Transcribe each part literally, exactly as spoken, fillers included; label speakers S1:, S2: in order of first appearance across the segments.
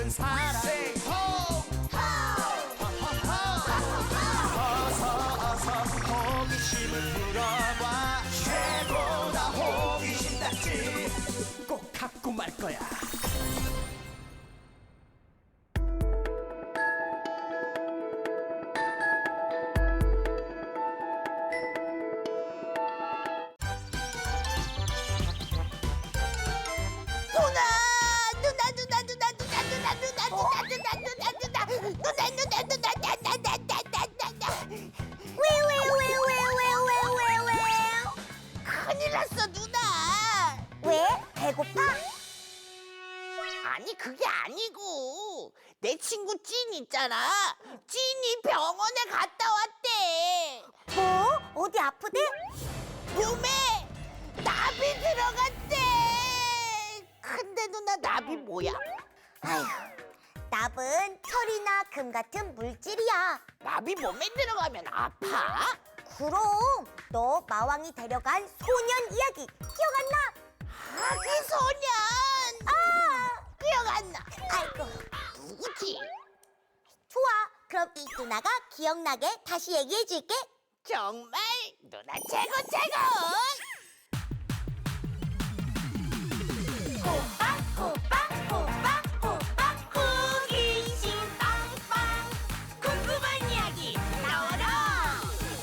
S1: 모든 사람 Say ho! 어서 어서 호기심을 풀어봐 최고다 호기심 딱지 꼭 갖고 말 거야
S2: 누나 누나 누나 누나 누나 누나 누나 누나 누나 누나 누나 누나 누나 누나 나나나나나나나 왜왜왜왜왜왜왜왜 큰일 났어 누나 왜 배고파? 아니 그게 아니고 내 친구 찐 있잖아 찐이 병원에 갔다 왔대 뭐? 어디 아프대? 몸에 나비 들어갔대 근데 누나 나비 뭐야? 아휴, 납은 철이나 금 같은 물질이야. 나비 몸에 들어가면 아파? 그럼 너 마왕이 데려간 소년 이야기 기억 안 나? 아기 소년! 아, 기억 안 나. 아이고, 누구지? 좋아, 그럼 이 누나가 기억나게 다시 얘기해줄게. 정말 누나 최고 최고! 호박 호박 호박 호박 호기심 빵빵 궁금한 이야기 나와라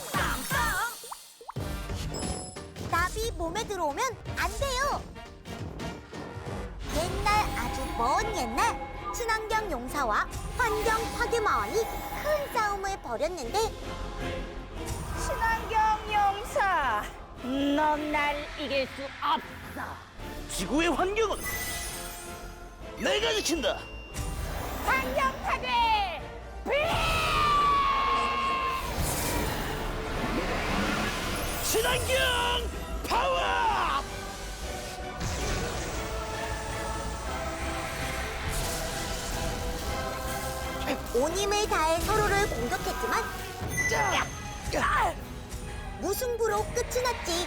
S2: 빵빵 나비 몸에 들어오면 안 돼요 옛날 아주 먼 옛날 친환경 용사와 환경 파괴 마왕이 큰 싸움을 벌였는데
S3: 친환경 용사, 넌 날 이길 수 없어.
S4: 지구의 환경은 내가 지킨다.
S3: 환경 파괴!
S4: 친환경 파워!
S2: 온 힘을 다해 서로를 공격했지만 무승부로 끝이 났지.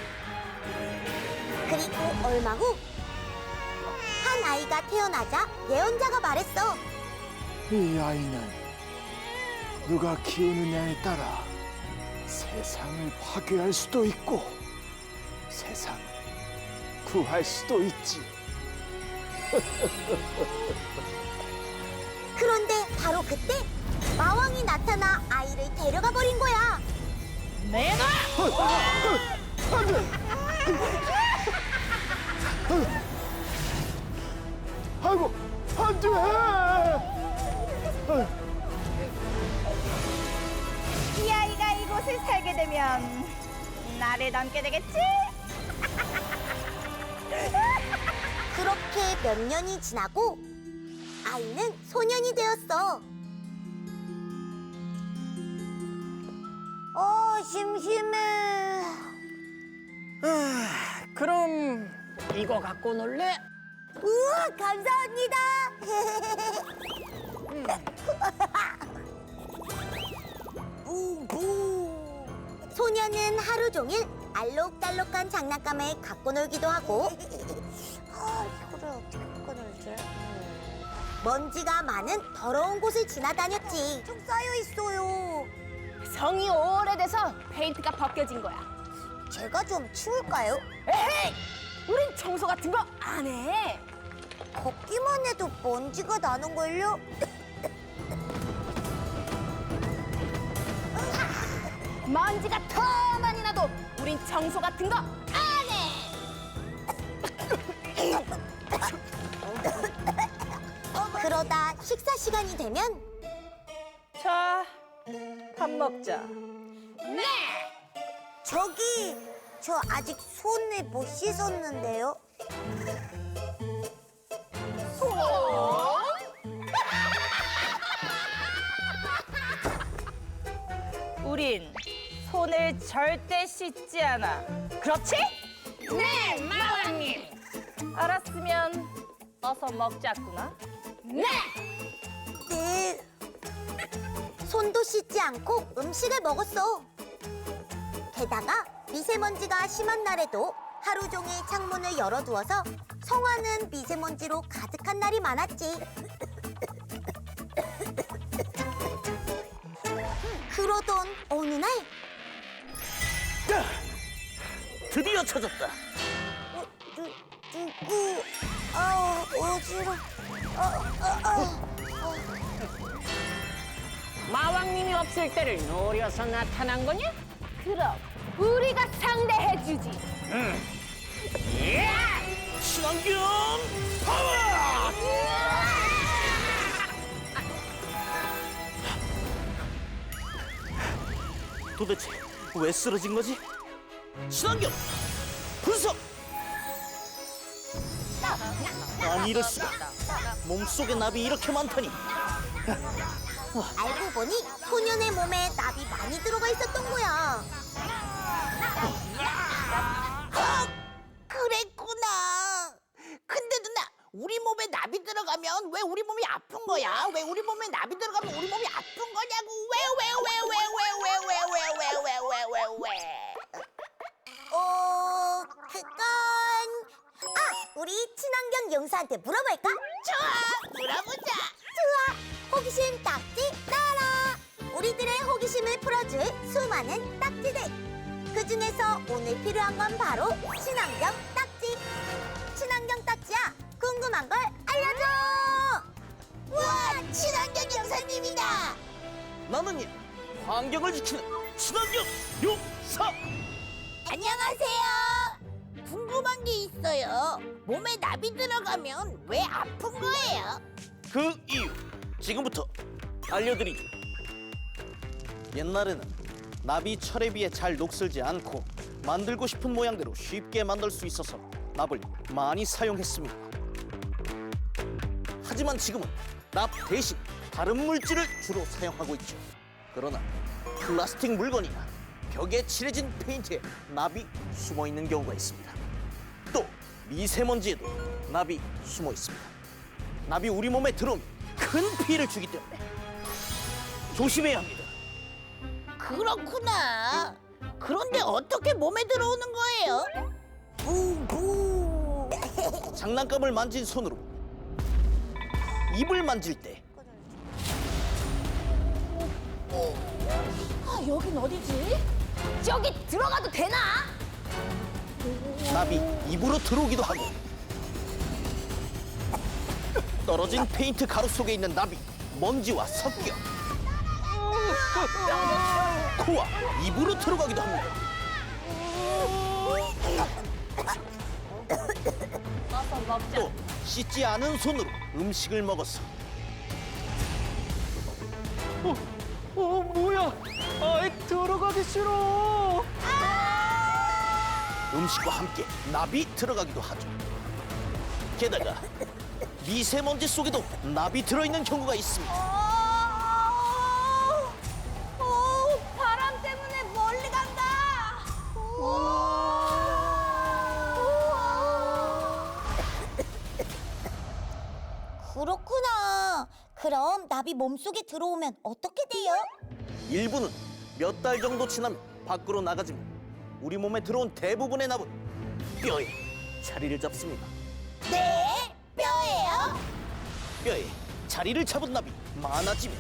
S2: 그리고 얼마 후 한 아이가 태어나자 예언자가 말했어.
S5: 이 아이는 누가 키우느냐에 따라 세상을 파괴할 수도 있고 세상을 구할 수도 있지.
S2: 그런데 바로 그때 마왕이 나타나 아이를 데려가 버린 거야.
S3: 내가
S5: 안 돼! 아이고, 안 돼!
S3: 이 아이가 이곳에 살게 되면 나를 닮게 되겠지?
S2: 그렇게 몇 년이 지나고 아이는 소년이 되었어. 어, 심심해.
S3: 그럼 이거 갖고 놀래?
S2: 우와, 감사합니다. 부. 소년은 하루 종일 알록달록한 장난감을 갖고 놀기도 하고 아, 이거를 어떻게 갖고 놀지? 먼지가 많은 더러운 곳을 지나다녔지. 좀 쌓여 있어요.
S3: 성이 오래돼서 페인트가 벗겨진 거야.
S2: 제가 좀 치울까요?
S3: 에헤이! 우린 청소 같은 거 안 해.
S2: 걷기만 해도 먼지가 나는걸요?
S3: 먼지가 더 많이 나도 우린 청소 같은 거 안 해.
S2: 그러다 식사 시간이 되면
S3: 자, 밥 먹자.
S2: 네! 저기 저 아직 손을 못 씻었는데요.
S3: 우린 손을 절대 씻지 않아. 그렇지? 네, 마왕님. 알았으면 어서 먹자꾸나. 네.
S2: 네. 손도 씻지 않고 음식을 먹었어. 게다가 미세먼지가 심한 날에도 하루 종일 창문을 열어두어서 성화는 미세먼지로 가득한 날이 많았지. 그러던 어느 날
S4: 야! 드디어 찾았다.
S2: 어, 누, 누구? 아, 어지러. 어, 어, 어.
S3: 마왕님이 없을 때를 노려서 나타난 거냐? 그럼 우리가 상대해주지.
S4: 친환경 파워! 도대체 왜 쓰러진 거지? 친환경 분석! 아니 이럴 수가. 몸속에 납이 이렇게 많다니.
S2: 알고 보니 소년의 몸에 납이 많이 들어가 있었던 거야. 헉! 그랬구나. 근데 누나, 우리 몸에 납이 들어가면 왜 우리 몸이 아픈 거야? 왜 우리 몸에 납이 들어가면 우리 몸이 아픈 거냐고? 왜 왜 왜 왜 왜 왜 왜 왜 왜 왜 왜 왜 왜? 어, 그건 아, 우리 친환경 용사한테 물어볼까? 좋아, 물어보자. 좋아, 호기심 딱지 나라. 우리들의 호기심을 풀어줄 수많은 딱지들. 그 중에서 오늘 필요한 건 바로 친환경 딱지. 친환경 딱지야, 궁금한 걸 알려줘. 우와, 친환경 용사님이다.
S4: 나는 이 환경을 지키는 친환경 용사!
S2: 안녕하세요. 궁금한 게 있어요. 몸에 납이 들어가면 왜 아픈 거예요?
S4: 그 이유 지금부터 알려드리죠. 옛날에는 납이 철에 비해 잘 녹슬지 않고 만들고 싶은 모양대로 쉽게 만들 수 있어서 납을 많이 사용했습니다. 하지만 지금은 납 대신 다른 물질을 주로 사용하고 있죠. 그러나 플라스틱 물건이나 벽에 칠해진 페인트에 납이 숨어 있는 경우가 있습니다. 또 미세먼지에도 납이 숨어 있습니다. 납이 우리 몸에 들어오면 큰 피해를 주기 때문에 조심해야 합니다.
S2: 그렇구나. 그런데 어떻게 몸에 들어오는 거예요? 부부.
S4: 장난감을 만진 손으로 입을 만질 때
S3: 아, 여긴 어디지? 저기 들어가도 되나?
S4: 납이 입으로 들어오기도 하고 떨어진 페인트 가루 속에 있는 납이 먼지와 섞여 코와 입으로 들어가기도 합니다. 또 씻지 않은 손으로 음식을 먹어서
S5: 어, 뭐야? 아이, 들어가기 싫어.
S4: 음식과 함께 납이 들어가기도 하죠. 게다가 미세먼지 속에도 납이 들어있는 경우가 있습니다.
S2: 오, 오, 바람 때문에 멀리 간다. 그렇구나. 그럼 납이 몸속에 들어오면 어떻게 돼요?
S4: 일부는 몇 달 정도 지나면 밖으로 나가지만 우리 몸에 들어온 대부분의 납은 뼈에 자리를 잡습니다.
S2: 네? 뼈예요?
S4: 뼈에 자리를 잡은 납이 많아지면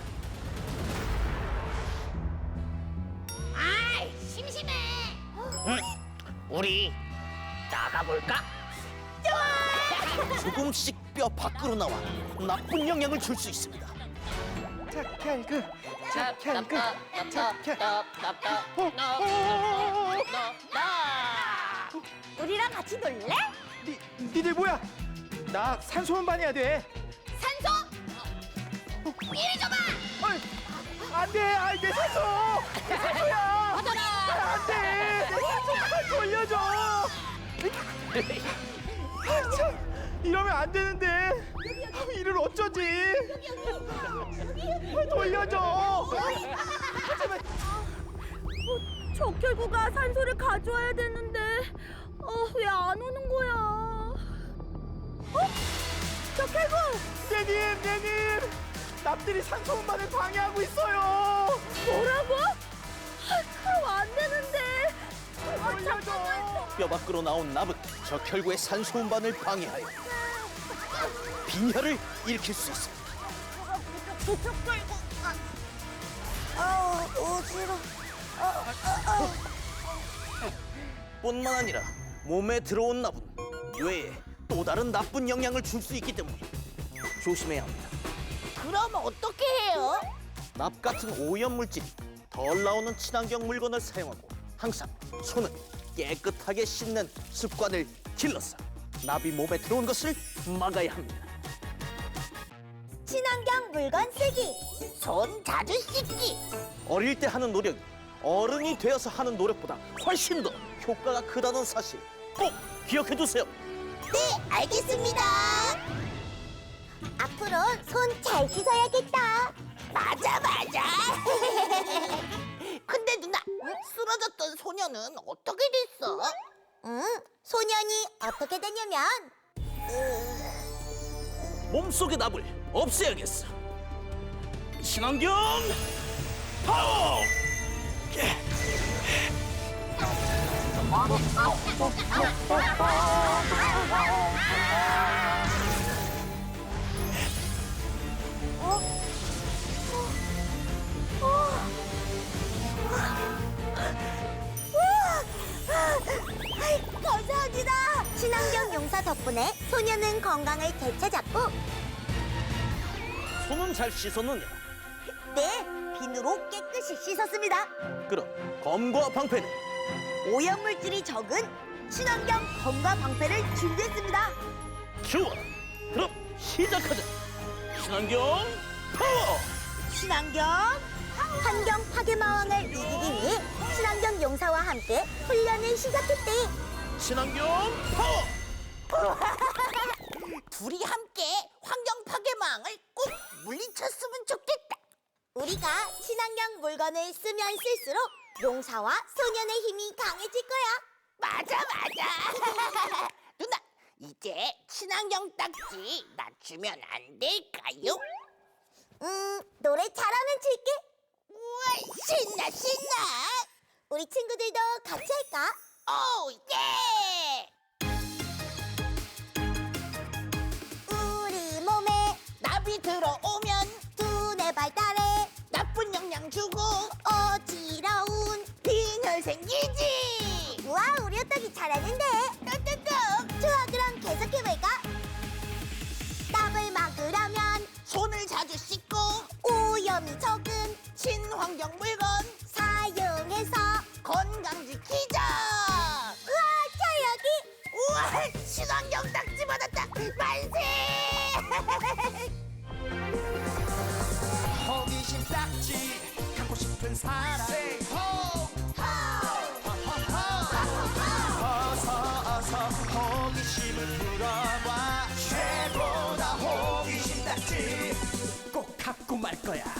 S2: 아이, 심심해.
S4: 우리 나가볼까? 조금씩 뼈 밖으로 나와 나쁜 영향을 줄 수 있습니다.
S5: 착한 그, 착한 그, 착한.
S2: 우리랑 같이 놀래?
S5: 니, 니들 뭐야? 나 산소 운반해야 돼.
S2: 산소? 이리 줘봐.
S5: 어이, 안 돼. 아이, 내 산소. 내 산소야.
S2: 받아라.
S5: 아, 안 돼. 내 산소 빨리 돌려줘. 아, 참. 이러면 안 되는데. 아, 이를 어쩌지? 빨리 돌려줘. 하지만
S3: 적혈구가 산소를 가져와야 되는데 어, 왜 안 오는 거야? 어? 적혈구!
S5: 내님, 내님. 납들이 산소 운반을 방해하고 있어요.
S3: 뭐라고? 아, 그럼 안 되는데. 아,
S5: 돌려줘.
S4: 뼈 밖으로 나온 납은 적혈구의 산소 운반을 방해하여 빈혈을 일으킬 수 있습니다.
S2: 저쪽 끌고. 아, 아우 어지러.
S4: 뿐만 아니라 몸에 들어온 납은 뇌에 또 다른 나쁜 영향을 줄 수 있기 때문에 조심해야 합니다.
S2: 그럼 어떻게 해요?
S4: 납 같은 오염 물질이 덜 나오는 친환경 물건을 사용하고 항상 손을 깨끗하게 씻는 습관을 길러서 납이 몸에 들어온 것을 막아야 합니다.
S3: 친환경 물건 쓰기.
S2: 손 자주 씻기.
S4: 어릴 때 하는 노력이 어른이 되어서 하는 노력보다 훨씬 더 효과가 크다는 사실 꼭 기억해 두세요.
S2: 네, 알겠습니다.
S3: 앞으로 손 잘 씻어야겠다.
S2: 맞아, 맞아. 근데 누나, 쓰러졌던 소녀는 어떻게 됐어?
S3: 응, 소년이 어떻게 되냐면
S4: 몸속의 납을 없애야겠어. 친환경 파워!
S3: 감사합니다. 친환경 용사 덕분에 소년은 건강을 되찾았고,
S4: 손은 잘 씻었느냐?
S3: 네, 비누로 깨끗이 씻었습니다.
S4: 그럼 검과 방패는
S3: 오염물질이 적은 친환경 검과 방패를 준비했습니다.
S4: 좋아. 그럼 시작하자. 친환경 파워!
S3: 친환경 환경 파괴마왕을 이기기 위해 친환경 용사와 함께 훈련을 시작했대.
S4: 친환경 파워!
S2: 둘이 함께 환경 파괴망을 꼭 물리쳤으면 좋겠다.
S3: 우리가 친환경 물건을 쓰면 쓸수록 용사와 소년의 힘이 강해질 거야.
S2: 맞아, 맞아. 누나, 이제 친환경 딱지 낮추면 안 될까요?
S3: 음, 노래 잘하면 줄게.
S2: 우와, 신나, 신나.
S3: 우리 친구들도 같이 할까?
S2: 오, 예!
S3: 우리 몸에
S2: 나비 들어오면
S3: 두뇌 발달에
S2: 나쁜 영향 주고
S3: 어지러운
S2: 빈혈 생기지.
S3: 우와, 우리 호떡이 잘하는데.
S2: 뚝뚝뚝.
S3: 좋아, 그럼 계속해볼까? 땀을 막으려면
S2: 손을 자주 씻고
S3: 오염이 적은
S2: 친환경 물건
S3: 사용해서.
S2: 건강 지키자.
S3: 우와, 저 여기.
S2: 우와, 친환경 딱지 받았다. 만세.
S1: 호기심 딱지 갖고 싶은 사람 Say ho 어서 어서 호기심을 풀어봐 최고다 호기심 딱지 꼭 갖고 말 거야